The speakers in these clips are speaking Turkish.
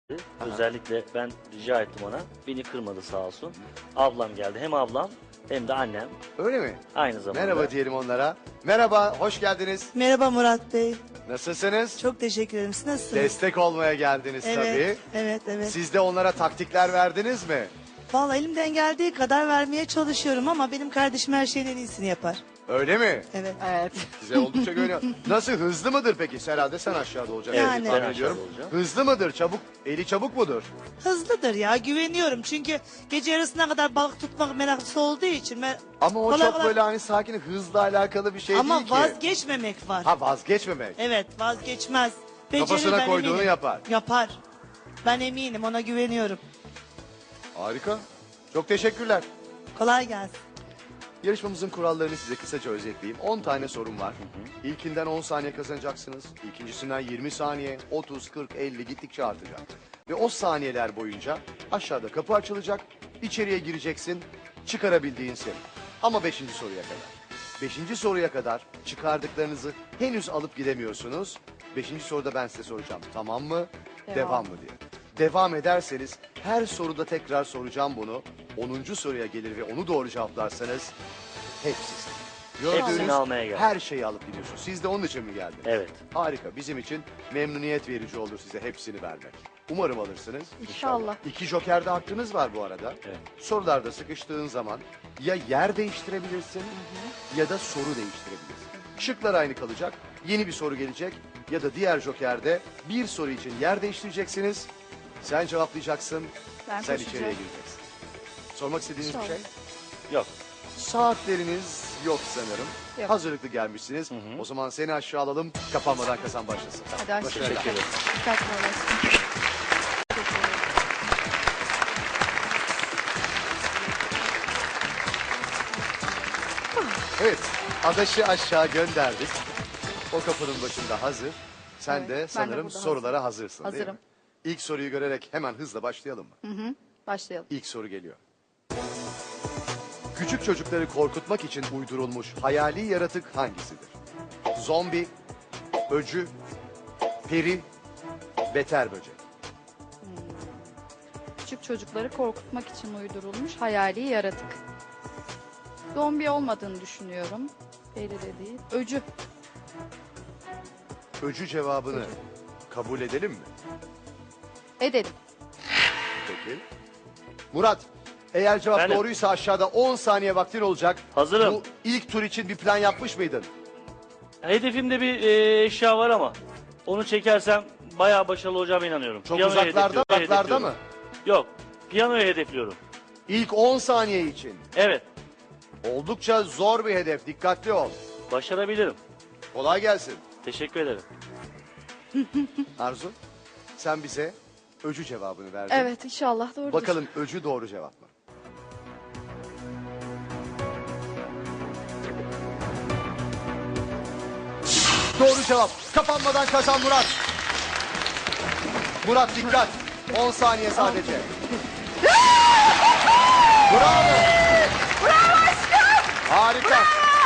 Özellikle ben rica ettim ona. Beni kırmadı sağ olsun. Ablam geldi. Hem ablam hem de annem. Öyle mi? Aynı zamanda. Merhaba diyelim onlara. Merhaba, hoş geldiniz. Merhaba Murat Bey. Nasılsınız? Çok teşekkür ederim. Siz nasılsınız? Destek olmaya geldiniz Evet, tabii. evet. Siz de onlara taktikler verdiniz mi? Vallahi elimden geldiği kadar vermeye çalışıyorum ama benim kardeşim her şeyin en iyisini yapar. Öyle mi? Evet. Evet. Size oldukça güveniyor. Nasıl, hızlı mıdır peki? Herhalde sen aşağıda olacaksın. Yani. tahmin Ben ediyorum. aşağıda olacağım. Hızlı mıdır? Çabuk, eli çabuk mudur? Hızlıdır ya, güveniyorum. Çünkü gece yarısına kadar balık tutmak meraklısı olduğu için. Ama o Kolay çok kolay- böyle hani sakin, hızla alakalı bir şey Ama değil ki. vazgeçmemek var. Ha, vazgeçmemek. Evet, vazgeçmez. Becerir, Kafasına ben koyduğunu eminim. yapar. Yapar. Ben eminim, ona güveniyorum. Harika. Çok teşekkürler. Kolay gelsin. Yarışmamızın kurallarını size kısaca özetleyeyim. 10 tane sorum var. İlkinden 10 saniye kazanacaksınız. İkincisinden 20 saniye, 30, 40, 50 gittikçe artacak. Ve o saniyeler boyunca aşağıda kapı açılacak. İçeriye gireceksin. Çıkarabildiğin senin. Ama 5. soruya kadar. 5. soruya kadar çıkardıklarınızı henüz alıp gidemiyorsunuz. 5. soruda ben size soracağım. Tamam mı? Devam mı diye. Devam ederseniz her soruda tekrar soracağım bunu. 10. soruya gelir ve onu doğru cevaplarsanız hepsi sizin. Hepsini Gördüğünüz almaya geldim. her şeyi alıp gidiyorsunuz. Siz de onun için mi geldiniz? Evet. Harika. Bizim için memnuniyet verici olur size hepsini vermek. Umarım alırsınız. İnşallah. 2 jokerde hakkınız var bu arada. Evet. Sorularda sıkıştığın zaman ya yer değiştirebilirsin ya da soru değiştirebilirsin. Şıklar aynı kalacak. Yeni bir soru gelecek ya da diğer jokerde bir soru için yer değiştireceksiniz. Sen cevaplayacaksın. Ben sen koşacağım. içeriye gireceksin. Sormak istediğiniz bir İnşallah. şey? Yok. Saatleriniz yok sanırım. Yok. Hazırlıklı gelmişsiniz. O zaman seni aşağı alalım. Kapanmadan kazan başlasın. Hadi aşağı. Başarılar. Teşekkür ederim. Dikkatli olasın. Teşekkür ederim. Evet, Adaş'ı aşağı gönderdik. O kapının başında hazır. Sen Evet, de ben de sanırım burada sorulara hazırsın değil mi? Hazırım. İlk soruyu görerek hemen hızla başlayalım mı? Başlayalım. İlk soru geliyor. Küçük çocukları korkutmak için uydurulmuş hayali yaratık hangisidir? Zombi, öcü, peri, beter böcek. Küçük çocukları korkutmak için uydurulmuş hayali yaratık. Zombi olmadığını düşünüyorum. Peri de değil. Öcü. Öcü cevabını kabul edelim mi? Edelim. Peki. Murat, eğer cevap Efendim? doğruysa aşağıda 10 saniye vaktin olacak. Hazırım. Bu ilk tur için bir plan yapmış mıydın? Hedefimde bir eşya var ama onu çekersem bayağı başarılı olacağıma inanıyorum. Çok Piyanoyu uzaklarda, hedefliyorum, uzaklarda mı? hedefliyorum. Yok. Piyanoyu hedefliyorum. İlk 10 saniye için. Evet. Oldukça zor bir hedef. Dikkatli ol. Başarabilirim. Kolay gelsin. Teşekkür ederim. Arzu, sen bize öcü cevabını verdin. Evet inşallah doğrudur. Bakalım öcü doğru cevap mı? Doğru cevap. Kapanmadan kazan Murat. Murat dikkat. 10 saniye sadece. Bravo. Bravo aşkım. Harika.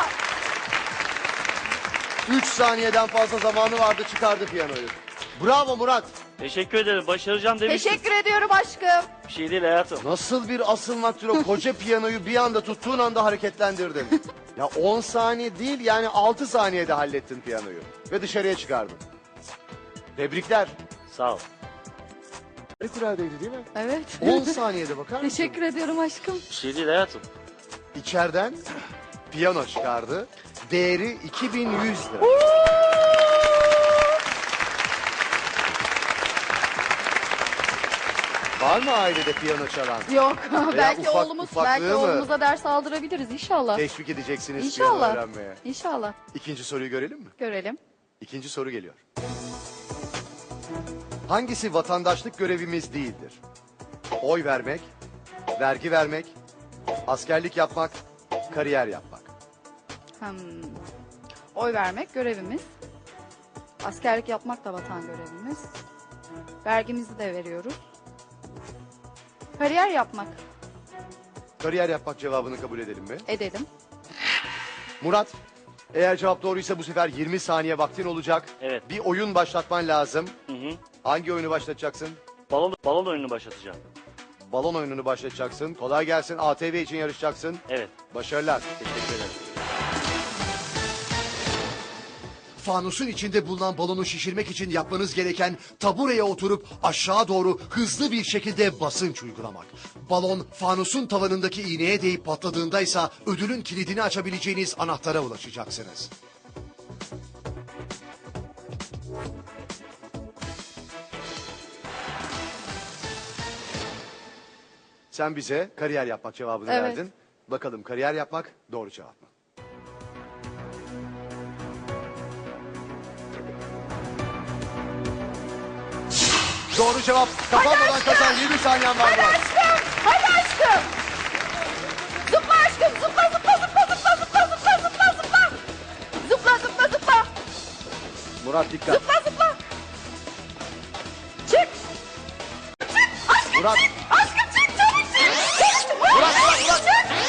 3 saniyeden fazla zamanı vardı, çıkardı piyanoyu. Bravo Murat. Teşekkür ederim. Başaracağım demiştim. Teşekkür ediyorum aşkım. Bir şey değil hayatım. Nasıl bir asılmaktır o koca piyanoyu bir anda tuttuğun anda hareketlendirdin. Ya 10 saniye değil yani 6 saniyede hallettin piyanoyu. Ve dışarıya çıkardın. Tebrikler. Sağ ol. Harikuladeydi değil mi? Evet. 10 saniyede bakar mısın? Teşekkür ediyorum aşkım. Bir şey değil hayatım. İçeriden piyano çıkardı. Değeri 2100 lira. Var mı ailede piyano çalan? Yok belki ufak- oğlumuz ufaklığı belki mı? oğlumuza ders aldırabiliriz inşallah. Teşvik edeceksiniz piyano İnşallah. öğrenmeye. İnşallah. İkinci soruyu görelim mi? Görelim. İkinci soru geliyor. Hangisi vatandaşlık görevimiz değildir? Oy vermek, vergi vermek, askerlik yapmak, kariyer yapmak. Oy vermek görevimiz. Askerlik yapmak da vatan görevimiz. Vergimizi de veriyoruz. Kariyer yapmak. Kariyer yapmak cevabını kabul edelim mi? Edelim. Murat, eğer cevap doğruysa bu sefer 20 saniye vaktin olacak. Evet. Bir oyun başlatman lazım. Hı hı. Hangi oyunu başlatacaksın? Balon oyununu başlatacağım. Balon oyununu başlatacaksın. Kolay gelsin. ATV için yarışacaksın. Evet. Başarılar. Teşekkür ederim. Fanusun içinde bulunan balonu şişirmek için yapmanız gereken tabureye oturup aşağı doğru hızlı bir şekilde basınç uygulamak. Balon fanusun tavanındaki iğneye değip patladığında ise ödülün kilidini açabileceğiniz anahtara ulaşacaksınız. Sen bize kariyer yapmak cevabını Evet. verdin. Bakalım kariyer yapmak doğru cevap mı? Doğru cevap. Kapanmadan kazan. 20 saniyen var. Hadi aşkım. Hadi aşkım. Zıpla aşkım. Zıpla zıpla zıpla zıpla zıpla zıpla zıpla zıpla. Zıpla zıpla zıpla. Murat dikkat. Zıpla zıpla. Çık. Çık. Aşkım Murat. çık. Aşkım çık. Çabuk çık. Çık. Murat, Murat, Murat.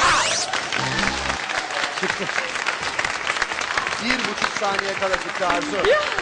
Çık. Çıktı. 1,5 saniye kala çıktı Arzu.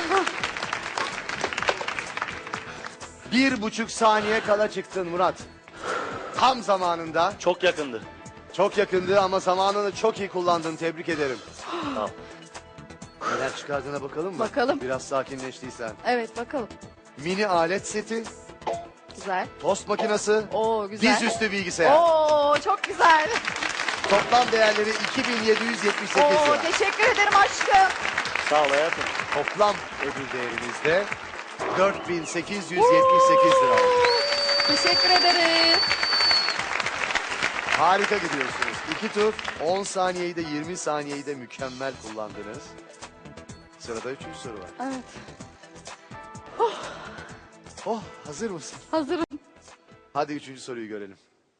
1,5 saniye kala çıktın Murat. Tam zamanında. Çok yakındı. Çok yakındı ama zamanını çok iyi kullandın. Tebrik ederim. Tamam. Neler çıkardığına bakalım mı? Bakalım. Biraz sakinleştiysen. Evet bakalım. Mini alet seti, Güzel. tost makinesi, Oo güzel. dizüstü bilgisayar. Oo çok güzel. Toplam değerleri 2778 Oo lira. teşekkür ederim aşkım. Sağ ol hayatım. Toplam ödül değerimiz de 4878 lira. Teşekkür ederiz. Harika gidiyorsunuz. 2 tur 10 saniyeyi de 20 saniyeyi de mükemmel kullandınız. Sırada 3. soru var. Evet. Oh, hazır mısın? Hazırım. Hadi 3. soruyu görelim.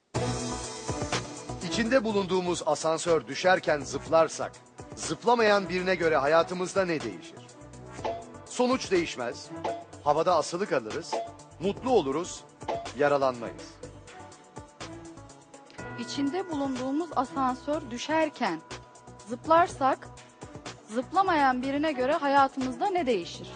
İçinde bulunduğumuz asansör düşerken zıplarsak, zıplamayan birine göre hayatımızda ne değişir? Sonuç değişmez. Havada asılı kalırız. Mutlu oluruz. Yaralanmayız. İçinde bulunduğumuz asansör düşerken zıplarsak zıplamayan birine göre hayatımızda ne değişir?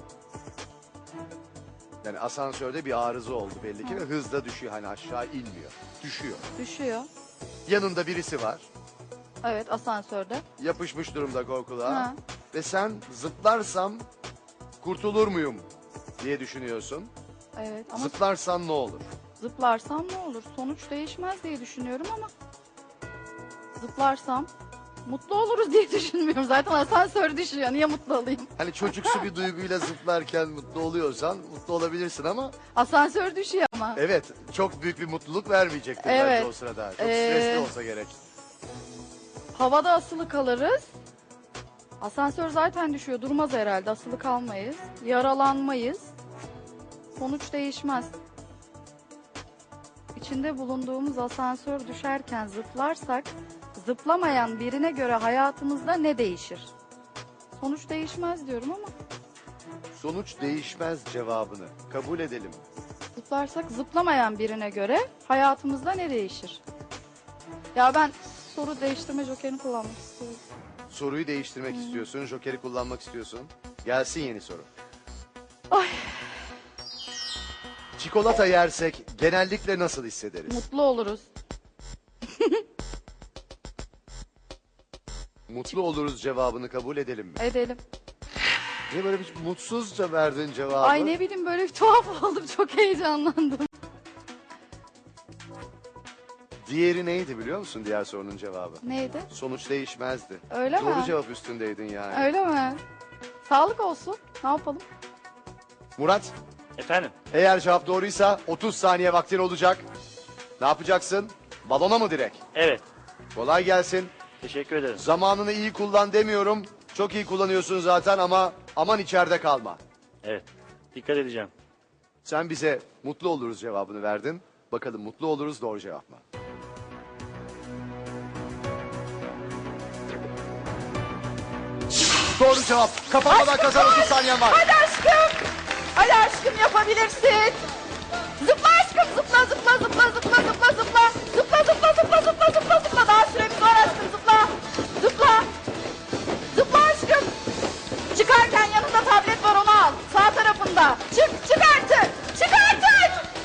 Yani asansörde bir arıza oldu belli ki ve hızla düşüyor. Hani aşağı inmiyor. Düşüyor. Düşüyor. Yanında birisi var. Evet asansörde. Yapışmış durumda korkuluğa. Ha. Ve sen zıplarsam kurtulur muyum diye düşünüyorsun. Evet ama Zıplarsan ne olur? zıplarsam ne olur? Sonuç değişmez diye düşünüyorum ama zıplarsam mutlu oluruz diye düşünmüyorum. Zaten asansör düşüyor. Niye mutlu olayım? Hani çocuksu bir duyguyla zıplarken mutlu oluyorsan mutlu olabilirsin ama Asansör düşüyor ama. evet çok büyük bir mutluluk vermeyecektir Evet. belki o sırada. Çok stresli olsa gerek. Havada asılı kalırız. Asansör zaten düşüyor. Durmaz herhalde. Asılı kalmayız. Yaralanmayız. Sonuç değişmez. İçinde bulunduğumuz asansör düşerken zıplarsak zıplamayan birine göre hayatımızda ne değişir? Sonuç değişmez diyorum ama Sonuç değişmez cevabını kabul edelim. zıplarsak zıplamayan birine göre hayatımızda ne değişir? Ya ben soru değiştirme jokerini kullanmak istiyorum. Soruyu değiştirmek istiyorsun, jokeri kullanmak istiyorsun. Gelsin yeni soru. Ay. Çikolata yersek genellikle nasıl hissederiz? Mutlu oluruz. Mutlu oluruz cevabını kabul edelim mi? Edelim. Niye böyle bir mutsuzca verdin cevabı? Ay ne bileyim böyle bir tuhaf oldum. Çok heyecanlandım. Diğeri neydi biliyor musun diğer sorunun cevabı? Neydi? Sonuç değişmezdi. Öyle Doğru mi? cevap üstündeydin yani. Öyle mi? Sağlık olsun. Ne yapalım? Murat, Efendim? eğer cevap doğruysa 30 saniye vaktin olacak. Ne yapacaksın? Balona mı direkt? Evet. Kolay gelsin. Teşekkür ederim. Zamanını iyi kullan demiyorum. Çok iyi kullanıyorsun zaten ama aman içeride kalma. Evet. Dikkat edeceğim. Sen bize mutlu oluruz cevabını verdin. Bakalım mutlu oluruz doğru cevap mı? Doğru cevap. Kapanmadan kazan 30 saniyen var. Hadi aşkım. Hadi aşkım yapabilirsin. Zıpla aşkım zıpla zıpla zıpla zıpla zıpla zıpla. Zıpla zıpla zıpla zıpla zıpla zıpla. Daha süremiz var aşkım zıpla. Zıpla. Zıpla aşkım. Çıkarken yanında tablet var onu al. Sağ tarafında. Çık çık artık. Çık artık.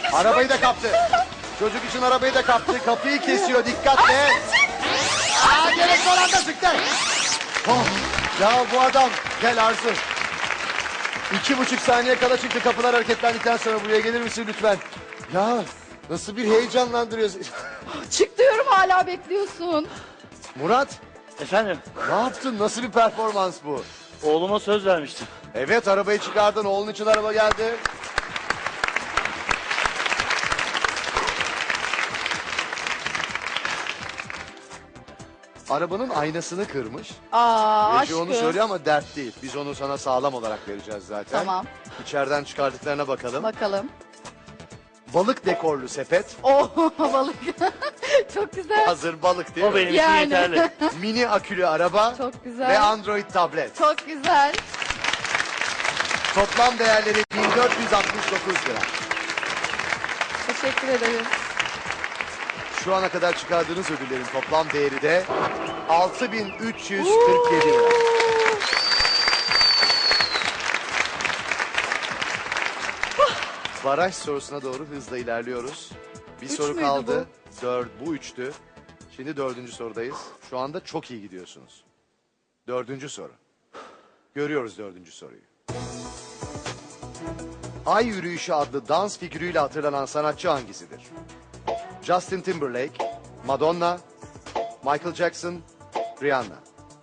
Arabayı da kaptı. Çocuk için arabayı da kaptı. Kapıyı kesiyor. Dikkatle. Aa, gerek son anda çıktı. Oh, ya bu adam. Gel Arzu. 2,5 saniye kala çıktı. Kapılar hareketlendikten sonra buraya gelir misin lütfen? Ya nasıl bir heyecanlandırıyorsun. Çık diyorum hala bekliyorsun. Murat, Efendim, ne yaptın? Nasıl bir performans bu? oğluma söz vermiştim. Evet, arabayı çıkardın. Oğlun için araba geldi. Arabanın aynasını kırmış. Aa Reji onu aşkım. söylüyor ama dert değil. Biz onu sana sağlam olarak vereceğiz zaten. Tamam. İçeriden çıkardıklarına bakalım. Bakalım. Balık dekorlu sepet. Oh balık. Çok güzel. Hazır balık değil O mi? benim için Yani. yeterli. Mini akülü araba. Çok güzel. Ve Android tablet. Çok güzel. Toplam değerleri 1469 lira. Teşekkür ederim. Şu ana kadar çıkardığınız ödüllerin toplam değeri de 6347 lira. Baraj sorusuna doğru hızla ilerliyoruz. Bir Üç soru müydü kaldı. Bu üçtü. Şimdi 4. sorudayız. Şu anda çok iyi gidiyorsunuz. 4. soru. Görüyoruz 4. soruyu. Ay Yürüyüşü adlı dans figürüyle hatırlanan sanatçı hangisidir? Justin Timberlake, Madonna, Michael Jackson, Rihanna.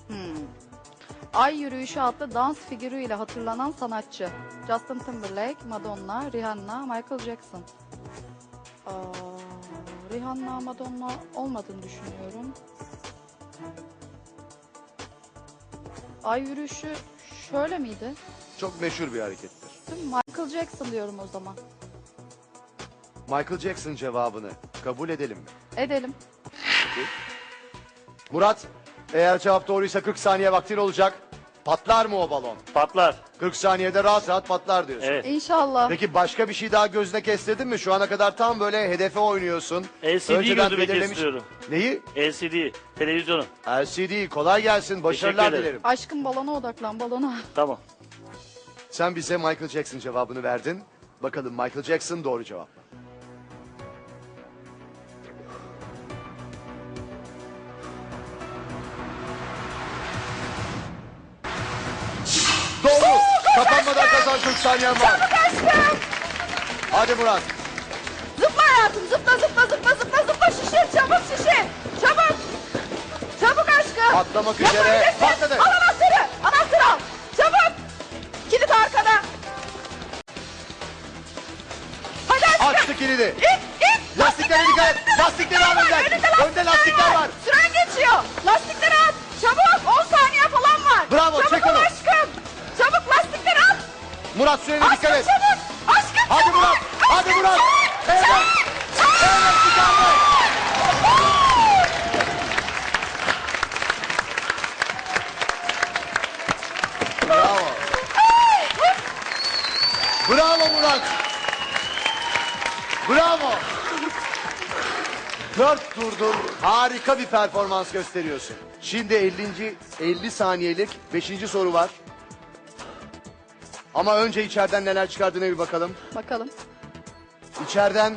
Ay Yürüyüşü adlı dans figürüyle hatırlanan sanatçı. Justin Timberlake, Madonna, Rihanna, Michael Jackson. Rihanna, Madonna olmadığını düşünüyorum. Ay Yürüyüşü şöyle miydi? Çok meşhur bir harekettir. Değil mi? Michael Jackson diyorum o zaman. Michael Jackson cevabını kabul edelim mi? Edelim. Murat, eğer cevap doğruysa 40 saniye vaktin olacak. Patlar mı o balon? Patlar. 40 saniyede rahat rahat patlar diyorsun. Evet. İnşallah. Peki başka bir şey daha gözüne kestirdin mi? Şu ana kadar tam böyle hedefe oynuyorsun. LCD Önceden gözüme belirlemiş- kestiriyorum. Neyi? LCD, televizyonu. LCD. Kolay gelsin. Başarılar Teşekkür ederim. dilerim. Aşkım balona odaklan balona. Tamam. Sen bize Michael Jackson cevabını verdin. Bakalım Michael Jackson doğru cevap mı? Doğru. Kapanmadan kazan 40 saniyen var. Hadi Murat. Zıpla hayatım zıpla zıpla zıpla zıpla zıpla şişir çabuk şişir. Çabuk. Çabuk aşkım. Atlamak üzere. Yapabilirsin. Patladı. Al anahtarı. Anahtarı al. Çabuk. Kilit arkada. Hadi aşkım. Açtı kilidi. İt it. Lastiklere dikkat et. Lastikleri al önden. Önde lastikler var. Süren geçiyor. Lastikleri at. Çabuk 10 saniye falan var. Bravo, Çabuk çek ol onu. aşkım. Çabuk lastikleri at. Murat sürene Aşkım dikkat et. çabuk. Aşkım Hadi çabuk. Murat. Hadi Aşkım, Murat. çabuk. Evet. Evet çıkardı. Bravo. Bravo Murat. Bravo. 4 turdur harika bir performans gösteriyorsun. Şimdi 50 saniyelik 5. soru var. Ama önce içeriden neler çıkardığına bir bakalım. Bakalım. İçeriden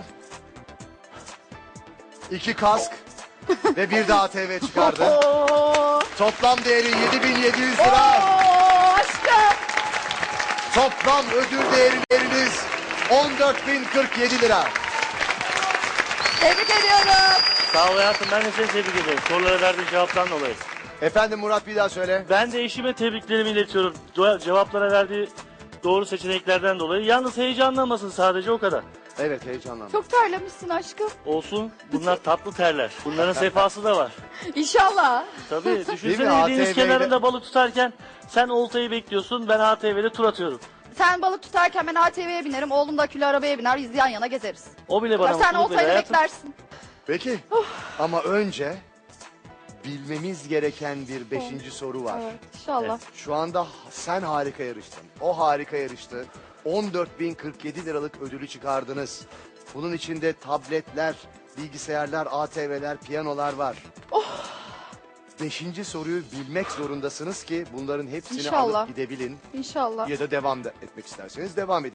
2 kask ve bir de ATV çıkardı. Oo. Toplam değeri 7.700 lira. Oo aşkım. Toplam ödül değeriniz 14.047 lira. Tebrik ediyorum. Sağ ol hayatım. Ben de seni tebrik ederim. Sorulara verdiğin cevaptan dolayı. Efendim Murat bir daha söyle. Ben de eşime tebriklerimi iletiyorum. Cevaplara verdiği doğru seçeneklerden dolayı. Yalnız heyecanlanmasın, sadece o kadar. Evet heyecanlandım. Çok terlemişsin aşkım. Olsun. Bunlar tatlı terler. Bunların sefası da var. İnşallah. Tabii düşünsene Değil mi? deniz ATV 'yle kenarında balık tutarken sen oltayı bekliyorsun. Ben ATV'de tur atıyorum. Sen balık tutarken ben ATV'ye binerim. Oğlum da akülü arabaya biner. Biz yan yana gezeriz. O bile bana Ya sen mutluluk verir oltayı hayatım. beklersin. Peki ama önce bilmemiz gereken bir 5. soru var. Evet inşallah. Şu anda sen harika yarıştın. O harika yarıştı. 14.047 liralık ödülü çıkardınız. Bunun içinde tabletler, bilgisayarlar, ATV'ler, piyanolar var. 5. soruyu bilmek zorundasınız ki bunların hepsini İnşallah. alıp gidebilin. İnşallah. Ya da devam da etmek isterseniz devam edin.